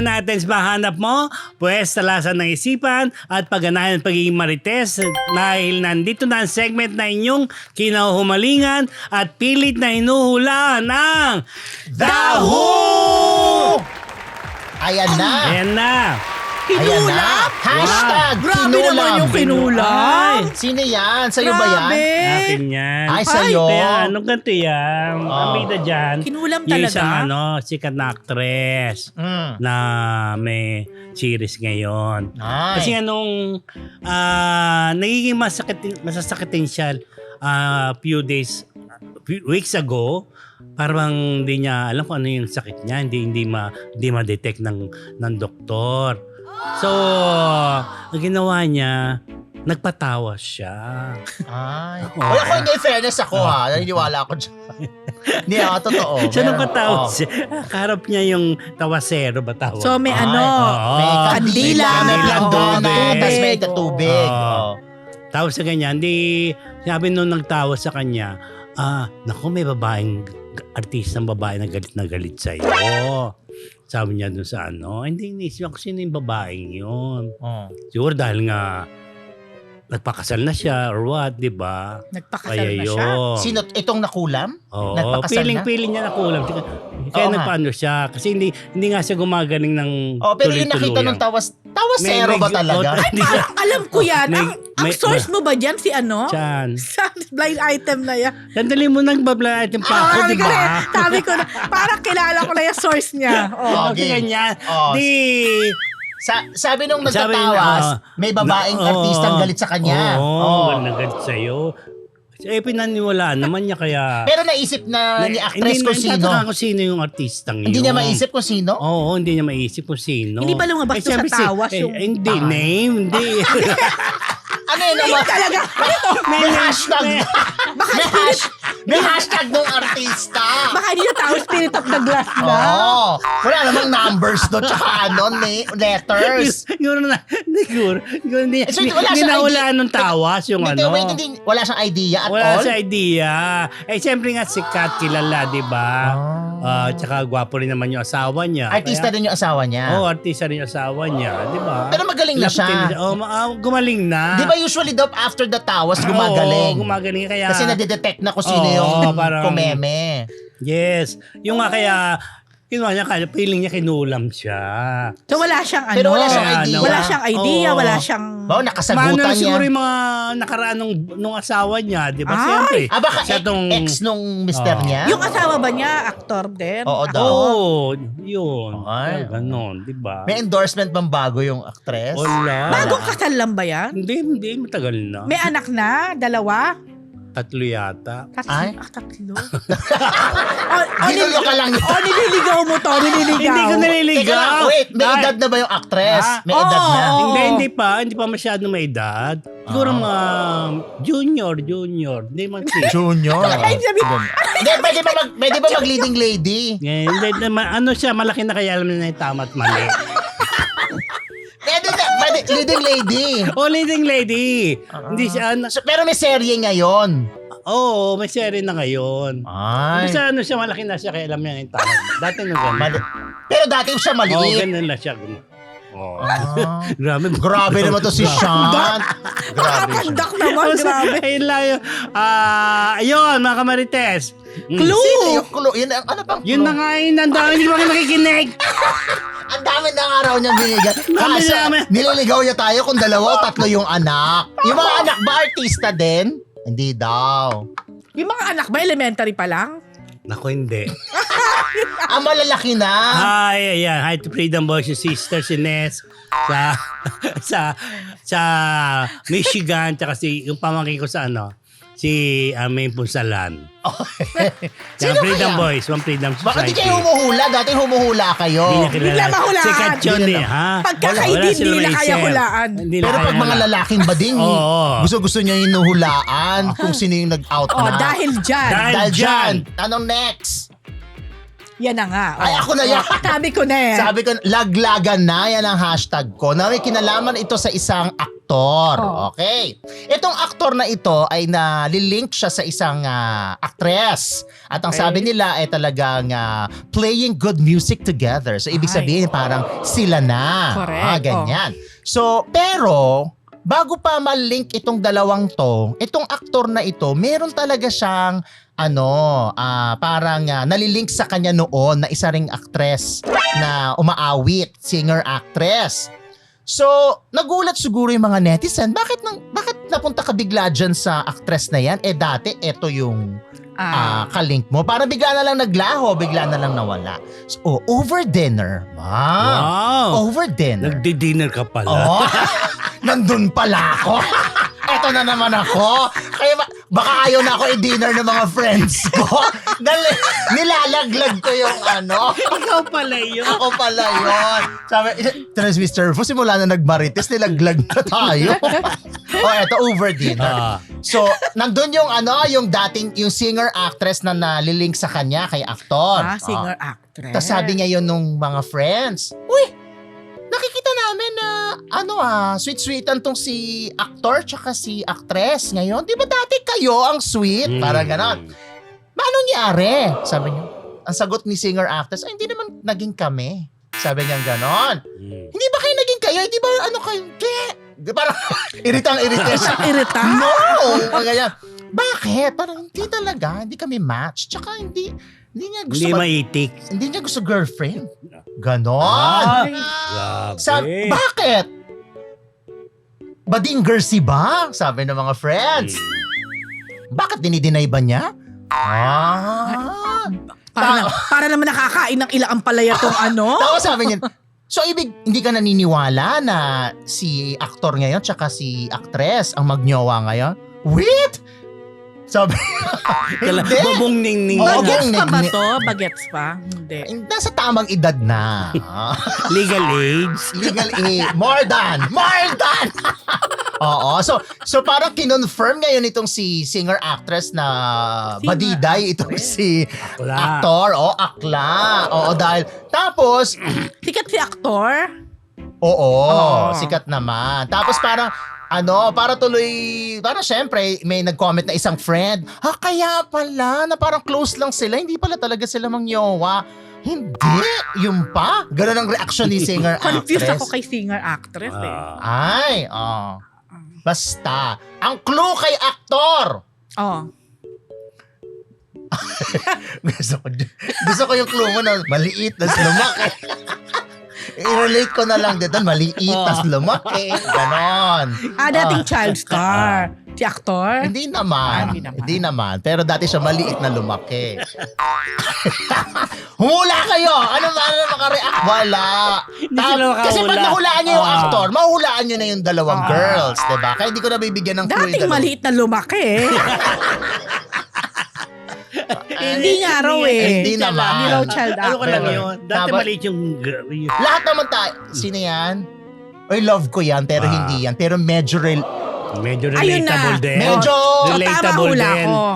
natin sa mahanap mo, pwes talasan ng isipan at pagganahan ng pagiging marites dahil nandito na ang segment na inyong kinahumalingan at pilit na hinuhulaan ng Daho! Ayan na. Ayan na. Ayan na. Hashtag Grabe kinulam. naman yung kinulam. Sino yan? Sa'yo ba yan? Akin yan. Ay, sa'yo. Kaya anong ganito yan? Ang bida dyan. Kinulam Yung talaga? isang sikat na actress na may series ngayon. Ay. Kasi anong nagiging masasakitin siya few weeks ago, parang hindi niya alam kung ano yung sakit niya, hindi ma-detect ng doktor. So, ang ginawa niya, nagpatawa siya. Ay. Oo. Oy, ako hindi, fairness ako ha. Naniniwala ako dyan. Hindi ako, totoo. Siya Meron- nagpatawa Oo. siya. Kaharap niya yung tawasero ba tawag? So may Ay, May kandila, kandila, may may planggana, tubig. tapos may katubig. Oo. Oo. Tawag sa kanya, sabi nung nagtawa sa kanya, naku, may babaeng, artistang babae na galit sa'yo. Sabi niya dun sa hindi inisip ako sino yung babaeng yun. Oo. Siguro dahil nga, nagpakasal na siya or what, di ba? nagpakasal Kaya na siya. yun. Sino, itong nakulam? Oo, Nagpakasal na? piling niya nakulam. Kaya Oo nga. nagpaano siya. Kasi hindi nga siya gumagaling ng Oh, pero yung nakita nung tawasero ba talaga? Ay, parang alam ko yan. Ang may- source mo ba dyan si ano? Chan. Sa blind item na yan. Sandali mo nang babla item pa ako, di ba? Sabi ko na, parang kilala ko na yung source niya. Oh. Kasi Okay. ganyan. Oh. Di... Sabi nung Sabi nagtatawas, may babaeng artistang galit sa kanya. Oo, Oo. nagalit sa'yo. Pinaniwalaan naman niya kaya... Pero naisip na ni actress kung sino. Hindi kung sino yung artistang yun. Hindi niya maisip kung sino? Oo, hindi niya maisip kung sino. Hindi ba lumabas doon siyempre sa tawas yung hindi, pangalan? name, hindi. Ano yun naman? Talaga, ano to? May hashtag. May hashtag ng artista. Baka hindi na tao spirit of the glass na. Oo. Wala namang numbers doon. Tsaka letters. Siguro na, siguro, hindi, So, hindi, wala hindi siyang nawala idea. nung tawas yung Hindi, ano. wait, hindi. Wala siyang idea at Wala all? sa idea. Siyempre nga sikat, kilala, di ba? Tsaka gwapo rin naman yung asawa niya. Artista din yung asawa niya. Oo, artista rin yung asawa niya, di ba? Pero magaling na siya. Gumaling na. Di ba usually daw after the tawas gumagaling? Oo, gumagaling. Kaya, Kasi nadidetect na kung sino Oo, yung parang- kumeme. yes. Yung nga kaya, kinuha niya, feeling niya kinulam siya. So wala siyang ano. Pero wala siyang idea. Wala siyang idea, Oo. wala siyang... Bao, Maano nakasagutan na niya. siguro yung mga nakaraan nung asawa niya, di ba? Ay! Siyempre. Baka siya tong- ex nung mister Oo. niya? Yung asawa ba niya, actor din? Oo daw. Oo, yun. Ay. Ganon, di ba? May endorsement bang bago yung actress? Wala. Bagong kasal lang ba yan? Hindi, matagal na. May anak na? Dalawa? 3 yata. Ay? Tatlo? Ginulo ka lang. Nililigaw mo to, nililigaw. Hindi ko Teka naliligaw. lang, wait, may Dahil- edad na ba yung actress? Ha? May edad na. Oo. Hindi pa masyadong may edad. Siguro mga junior. Hindi man si. Junior. Ay, sabi, Hindi, pwede ba mag-leading lady? Hindi, ano siya, malaki na kaya alam na yung tama at mali. Pwede, leading lady. Leading lady. Hindi siya, So, pero may serye ngayon. oo, may serie na ngayon. Ay. Basta ano siya, malaki na siya kaya alam niya yung tama. Dati nung ganun. Pero dati siya Oo, maliit. ganun na siya. Oh. Ah. Grabe. Grabe naman to si Sean. Grabe siya. Nakakandak naman, grabe. Ayun lang yun. Ayun, mga kamarites. Clue! Sino yung clue? Yun, ano bang clue? Yun na nga yun, ang dami, hindi ba kayo nakikinig? Ang dami ng araw niyang binigyan. Dami Kaso, namin. nililigaw niya tayo kung 2 o 3 yung anak. Yung mga anak ba artista din? Hindi daw. Yung mga anak ba, elementary pa lang? Naku, hindi. Malalaki na. Hi, ayan. Hi to Freedom Boys, yung sister si Ness sa Michigan, tsaka yung pamangkin ko sa si May Punsalan. Sino Freedom kaya? Boys, from Freedom Society. Bakit di kayo humuhula? Dati humuhula kayo. Hindi niya kilala. Bigla mahulaan. Sikat yun Hindi eh, na. ha? Pagkakaedin, Wala sila hindi na kaya maisip. hulaan. Hindi na Pero kaya pag mga hulaan. lalaking bading, Oo. gusto niya yung nuhulaan kung sino yung nag-out Oh, na. dahil dyan. Dahil dyan. Anong next? Yan na nga. Ay, ako na yan. Sabi ko na eh. Sabi ko, laglagan na, yan ang hashtag ko. Na may kinalaman ito sa isang aktor. Oh. Okay. Itong aktor na ito ay nalilink siya sa isang actress. At ang Okay. sabi nila ay talagang playing good music together. So, ibig Ay. sabihin parang sila na. Correct. Ganyan. So, pero, bago pa malink itong dalawang to, itong aktor na ito, meron talaga siyang parang nalilink sa kanya noon na isa ring actress na umaawit, singer-actress. So, nagulat siguro yung mga netizen, bakit napunta ka bigla dyan sa actress na yan? Dati, eto yung kalink mo. Parang bigla na lang naglaho, bigla na lang nawala. So, over dinner. Wow. Over dinner. Nagdi-dinner ka pala. Oh, nandun pala ako. Eto na naman ako. Kaya baka ayaw na ako i-dinner ng mga friends ko. Dahil nilalaglag ko yung Ikaw pala yun. Ako pala yun. Sabi, Transmister Fu, simula na nagmarites, nilaglag na tayo. Eto, over dinner. So, nandun yung yung singer-actress na nalilink sa kanya kay aktor. Singer-actress. Tapos sabi niya yun nung mga friends, uy, nakikita namin na sweet-sweetan tong si actor tsaka si actress ngayon. Di ba dati kayo ang sweet? Parang ganon. Ano nangyari? Sabi niya. Ang sagot ni singer-actress, ay hindi naman naging kami. Sabi niya ganon. Hindi ba kayo naging kayo? Hindi ba kayo? Di parang iritang-irita siya. Iritang? No! Ganyan. Bakit? Parang hindi talaga. Hindi kami match. Tsaka hindi niya gusto Hindi maitik. hindi niya gusto girlfriend. Ganon. Grabe. Bakit? Badinger si ba? Sabi ng mga friends. Bakit dinideny ba niya? Para naman nakakain ng ilang palaya tong Tapos sabi niya, so ibig hindi ka naniniwala na si aktor ngayon tsaka si actress ang magnyowa ngayon? Wait! Sabi, hindi. Babong ning-ning. Oo, Bagets pa ba ning- to? Bagets pa? Hindi. Nasa tamang edad na. Legal age. Legal more than. Oo. So parang kinonfirm ngayon itong si singer-actress na badiday itong si Akla. aktor. Akla. Oo, dahil tapos, Sikat si aktor? oo, Oo. sikat naman. Tapos parang, para syempre, may nag-comment na isang friend, kaya pala, na parang close lang sila, hindi pala talaga sila mangyowa. Hindi, yun pa. Ganun ang reaction ni singer-actress. Confused ako kay singer-actress eh. Basta, ang clue kay aktor. Gusto ko yung clue mo na maliit, tas lumaki. I-relate ko na lang dito, maliit, tas lumaki. Ganon. Dating child star. Si aktor? Hindi naman. Hindi naman. Pero dati siya maliit na lumaki. Humula kayo! Ano makareact? Wala. Hindi sila makahula. Kasi pag nahulaan niyo yung actor, mahulaan niyo na yung dalawang girls, diba? Kaya hindi ko na bibigyan ng clue yung Dating dalawa. maliit na lumaki eh. Hindi nga raw eh. Hindi naman. Hindi raw child Ano ka lang Pero, yun? Dati dapat- maliit yung girl. Lahat naman tayo. Sino yan? Oy, love ko yan, pero hindi yan. Pero medyo Medyo Ayun na. relatable din. Medyo- So, tama relatable hula din. ko.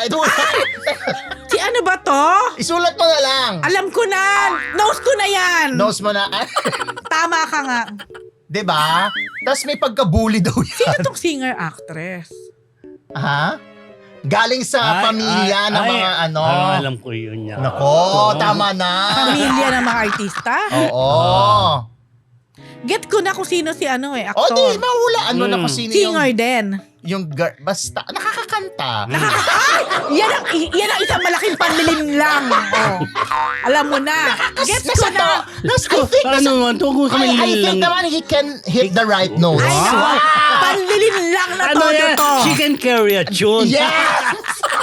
Si ano ba to? Isulat mo na lang. Alam ko na. Nose ko na yan. Nose mo na. Tama ka nga. Diba? Tapos may pagka-bully daw yan. Sino tong singer-actress? Ha? Galing sa pamilya ng mga Parang alam ko yun yan. Nako, tama na. Pamilya ng mga artista? Oo. Get ko na kung sino si O di, actor. mahulaan mo na kung sino Singer din. basta, nakakakanta. Yan ang isang malaking panlilin lang. Alam mo na. Get ko na. I think Ano man, tungkol kami I think lang. naman he can hit the right notes. Ay, naku. Panlilin lang na Ano todo yan? to. She can carry a tune. Yes!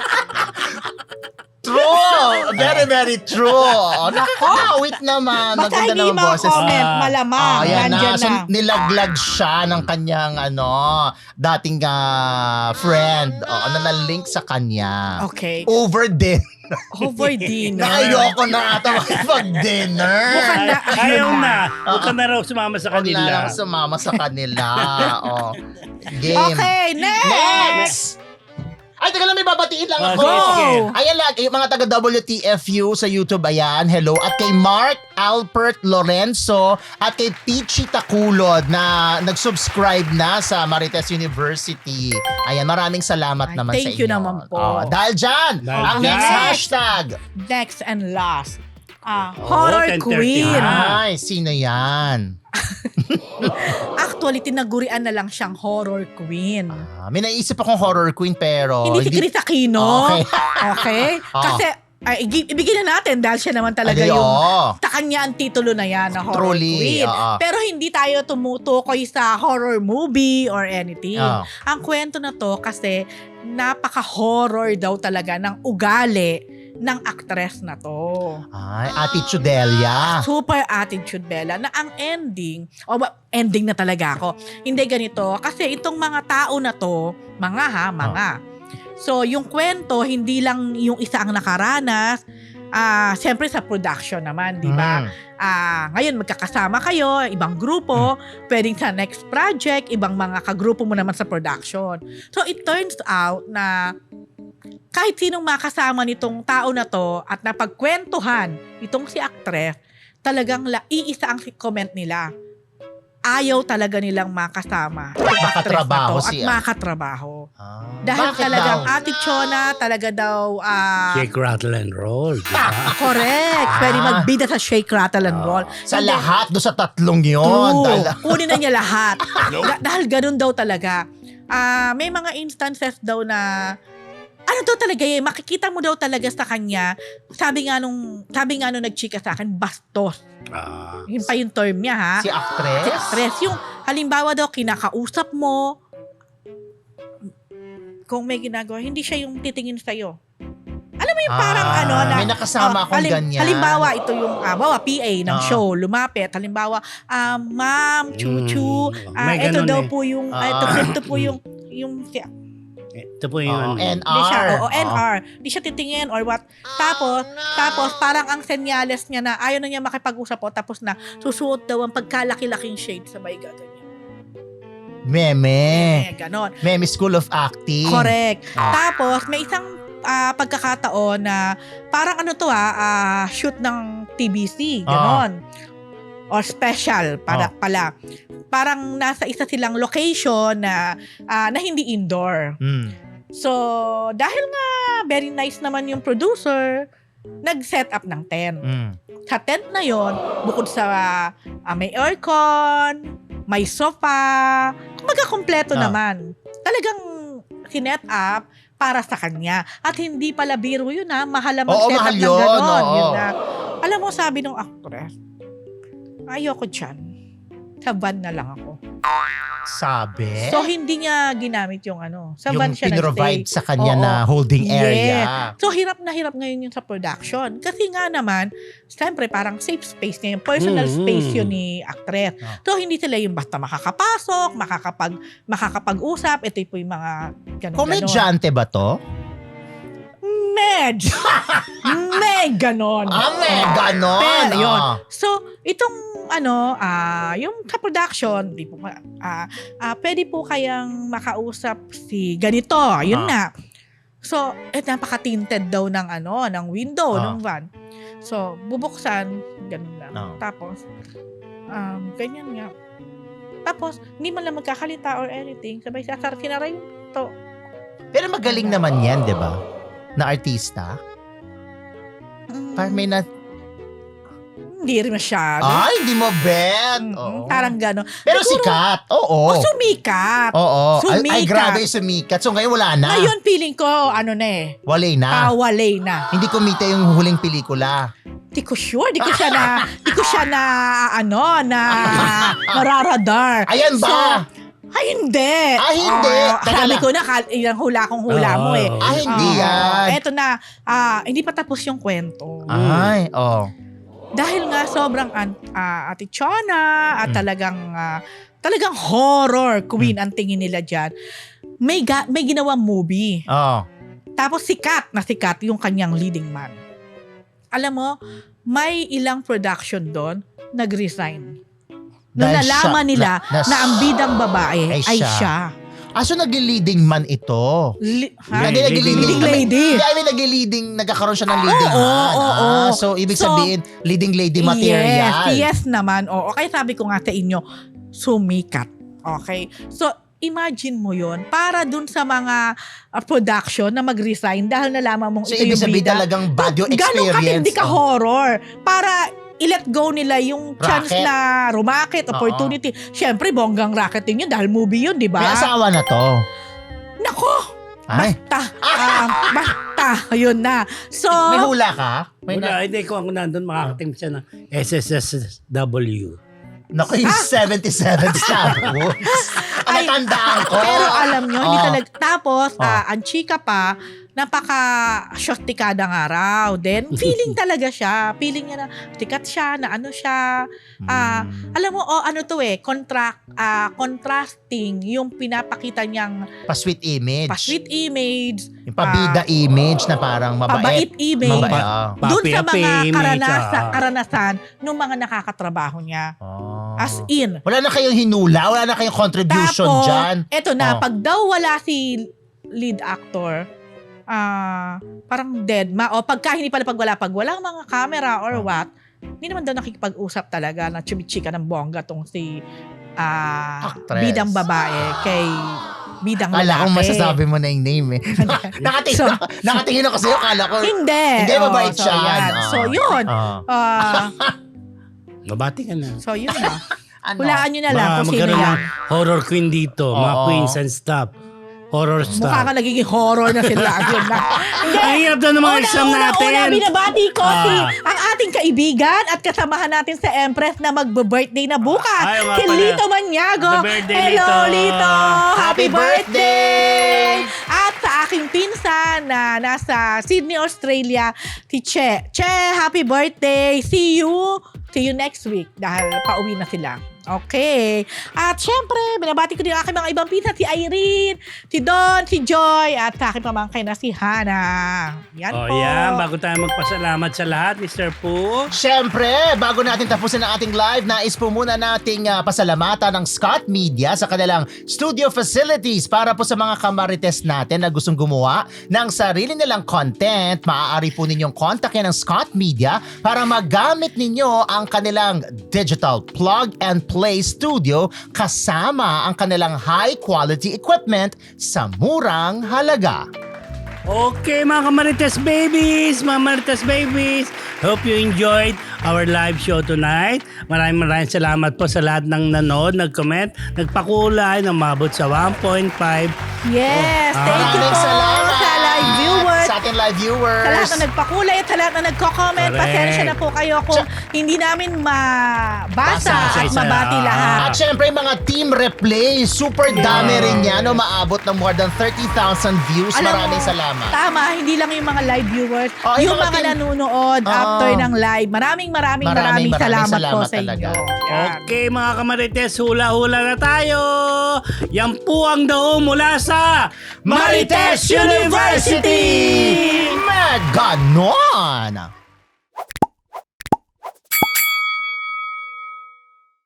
True! Very, very true. Nakakawit naman. Basta Maganda hindi naman boses. ma-comment, malamang. Ayan Nandyan na. So, na. nilaglag siya ng kanyang dating friend na na-link sa kanya. Okay. Over din. Over dinner. Ayoko na ata makipag-dinner. Mukhang na. Ayaw na. Huwag ka na raw sumama sa Huwag na kanila. lang sumama sa kanila. Game. Okay, next. Next! Ay, taga lang, may babatiin lang Ah, ako. sige, sige. Ayan lang, yung mga taga WTFU sa YouTube, ayan, hello. At kay Mark Alpert Lorenzo at kay Peachy Takulod na nag-subscribe na sa Marites University. Ayan, maraming salamat Ay, naman sa inyo. thank you naman po. Dahil dyan, Dahil ang dyan. next hashtag. Next and last. Horror 10:30 Queen. na. Ay, sino yan? Actually, tinagurian na lang siyang Horror Queen. May naisip akong horror queen pero... Hindi si Chris Aquino. Okay. Okay? Kasi, ibigay na natin dahil siya naman talaga Ay, yung... oo. Sa kanya ang titulo na yan na Horror Truly, Queen. oo. Pero hindi tayo tumutukoy sa horror movie or anything. Oo. Ang kwento na to kasi napaka-horror daw talaga ng ugali ng actress na to. Ay, Ate Chudelia. Super attitude Bella na ang ending, ending na talaga ako. Hindi ganito. Kasi itong mga tao na to, mga. So, yung kwento, hindi lang yung isa ang nakaranas. Siyempre sa production naman, di ba? Ngayon, magkakasama kayo, ibang grupo, pwedeng sa next project, ibang mga kagrupo mo naman sa production. So, it turns out na kahit sinong makasama nitong tao na to at napagkwentuhan itong si actress, talagang iisa ang comment nila. Ayaw talaga nilang makasama itong actress na to Makatrabaho at siya. makatrabaho. Dahil Bakit talagang daw? Ate Chona talaga daw Shake, rattle, and roll. Diba? correct. Pwede magbida sa shake, rattle, and roll. Sa Hindi. lahat, do sa tatlong yun. True. Dahil- Kunin na niya lahat. Dahil ganun daw talaga. May mga instances daw na ano daw talaga makikita mo daw talaga sa kanya, sabi nga nung nagchika sa akin, bastos. Yun pa yung term niya, ha? Si actress? Si actress. Yung halimbawa daw, kinakausap mo, kung may ginagawa, hindi siya yung titingin sa'yo. Alam mo yung parang na... May nakasama akong ganyan. Halimbawa, ito yung, PA ng show, lumapit. Halimbawa, ma'am, chuchu, May ito ganun daw eh. po yung, ito po yung Ito po yung... Hindi siya, NR. NR. Hindi siya titingin or what. Tapos parang ang senyales niya na ayaw na niya makipag-usap po. Tapos na susuot daw ang pagkalaki-laking shade sa may gaganyan. Meme. Ganon. Meme School of Acting. Correct. Tapos may isang pagkakataon na parang shoot ng TBC. Ganon. Or special pala. Parang nasa isa silang location na hindi indoor. So, dahil nga very nice naman yung producer, nag-set up ng tent. Sa tent na yon, bukod sa may aircon, may sofa, kumbaga kompleto naman. Talagang sinet up para sa kanya. At hindi pala biro yun, mahal mag-set up ng ganon. Yun na. Alam mo, sabi ng actress, ayoko dyan. Sa van na lang ako. Sabi? So, hindi niya ginamit yung sa van yung siya pinrovide nagstay. sa kanya Oo. na holding area. So, hirap na hirap ngayon yung sa production. Kasi nga naman, siyempre parang safe space niya, yung personal space yun ni actress. So, hindi sila yung basta makakapasok, makakapag-usap, ito po yung mga ganun-ganon. Komedyante ba to? Medj! May ganon. May ganon. Pero yun. So, itong yung sa production, pwede po kayang makausap si ganito. Yun na. So, napaka-tinted daw ng window ng van. So, bubuksan, ganun lang. Tapos, ganyan nga. Tapos, hindi man lang magkakalita or anything. Sabay sinara yung to. Pero magaling naman yan, di ba? Na artista. Parang may Hindi rin masyado. Ay, hindi mo bet. Parang gano'n. Pero Siguro, sikat. Oo. Sumikat. Oo. Sumikat. Ay, grabe sumikat. So ngayon wala na. Ngayon, feeling ko, Walay na. walay na. Hindi kumita yung huling pelikula. Di ko sure. Di ko siya na nararadar. Ayan ba? Hindi. Hindi. Teka Sabi lang. ko na, ilang hula kong hula mo eh. Hindi yan. Eto na, hindi pa tapos yung kwento. Ay, Dahil nga sobrang Ate Chona at talagang horror queen ang tingin nila dyan. May ginawang movie. Tapos sikat yung kanyang leading man. Alam mo, may ilang production doon nag-resign. Nung Dahil nalaman siya- nila na- na ang bidang babae ay ay siya. siya. So nagli-leading man ito. Ha? Hindi, Leading lady. Hindi, I mean, nagli-leading, nagkakaroon siya ng leading Oo, man. oo. So, ibig So, sabihin, leading lady material. Yes naman. Oo, kaya sabi ko nga sa inyo, sumikat. Okay? So, imagine mo yon para dun sa mga production na mag-resign dahil nalaman mong So, ito ibig yung sabihin bida. talagang bad yung Ganun katindi experience. ka horror. Para i-let go nila yung chance Racket. na rumakit, opportunity. Siyempre, bonggang racketing yun dahil movie yun, di ba? May asawa na to. Nako! Ay, Basta. Ayun na. So, may hula ka? May Wala, hindi ko ako nandun makakating siya ng SSSW. Naku, yung 77 Star Wars. Ay, Natandaan ko. pero alam nyo, hindi Oh. talaga. Tapos, Oh. ang chika pa, napaka-shostikada nga raw. Then, feeling talaga siya. Feeling niya na tikat siya, na ano siya. Alam mo, ano to contrasting yung pinapakita niyang Pa-sweet image. pa-sweet image, Yung pabida image na parang mabait. pabait image, Mabait. doon sa Papi-api mga image, karanasan ng mga nakakatrabaho niya. Oh. As in. Wala na kayong hinula, wala na kayong contribution Tapos, dyan. eto na, Oh. pag daw wala si lead actor, parang dead ma. O pagka hindi pala pag walang mga camera or what, hindi naman daw nakikipag-usap talaga na chumichika ng bongga tong si Actress. bidang babae kay bidang Kala lalaki. kong masasabi mo na yung name eh. Nakatingin ako sa'yo, kala ko. Hindi. Hindi, mabait so, siya. yan. Ah. So, yun. Ah. Mabati ka na. So, yun na. Ano? Hulaan nyo na lang kung sino magkaroon yan. ng horror queen dito. Mga Oo. queens and stuff. Horror Mukha stuff. ka nagiging horror na sila. Yun na. Ang hirap daw ng mga exam natin. Una, binabati ko si Ah. ang ating kaibigan at kasamahan natin sa Empress na magbe-birthday na bukas. Ay, nga Si pala. Lito Maniago. Happy birthday, Hello, Lito. Lito. Happy birthday! At sa aking pinsan na nasa Sydney, Australia, si Che. Che, happy birthday. See you next week dahil pauwi na sila. Okay. At syempre, binabati ko din ang aking mga ibang pinsan, si Irene, si Don, si Joy, at sa aking pamangkin na si Hannah. Yan po. Yan. Bago tayo magpasalamat sa lahat, Mr. Poo. Siyempre, bago natin tapusin ang ating live, nais po muna nating pasalamatan ng Scott Media sa kanilang studio facilities para po sa mga kamarites natin na gustong gumawa ng sarili nilang content. Maaari po ninyong kontakin ng Scott Media para magamit ninyo ang kanilang digital plug and play studio kasama ang kanilang high quality equipment sa murang halaga. Okay, mga Kamarites Babies. Hope you enjoyed our live show tonight. Maraming salamat po sa lahat ng nanood, nag-comment, nagpakulay, namabot sa 1.5. Yes, thank you Maraming po salamat sa live viewers. Sa ating live viewers. Sa lahat na nagpakulay at sa lahat na nagko-comment, Correct. pasensya na po kayo kung hindi namin mabasa Basa, at isa-isa. mabati lahat. At syempre mga team replay, super dami rin yan. No? Maabot ng more than 30,000 views. Alam Maraming mo, salamat. Tama, hindi lang yung mga live viewers, Oh, yung yung mga mga team- nanonood after ng live. Maraming salamat po sa inyo. talaga. Yan. Okay, mga Kamarites, hula-hula na tayo. Yan po ang daong mula sa Marites University! Ganon!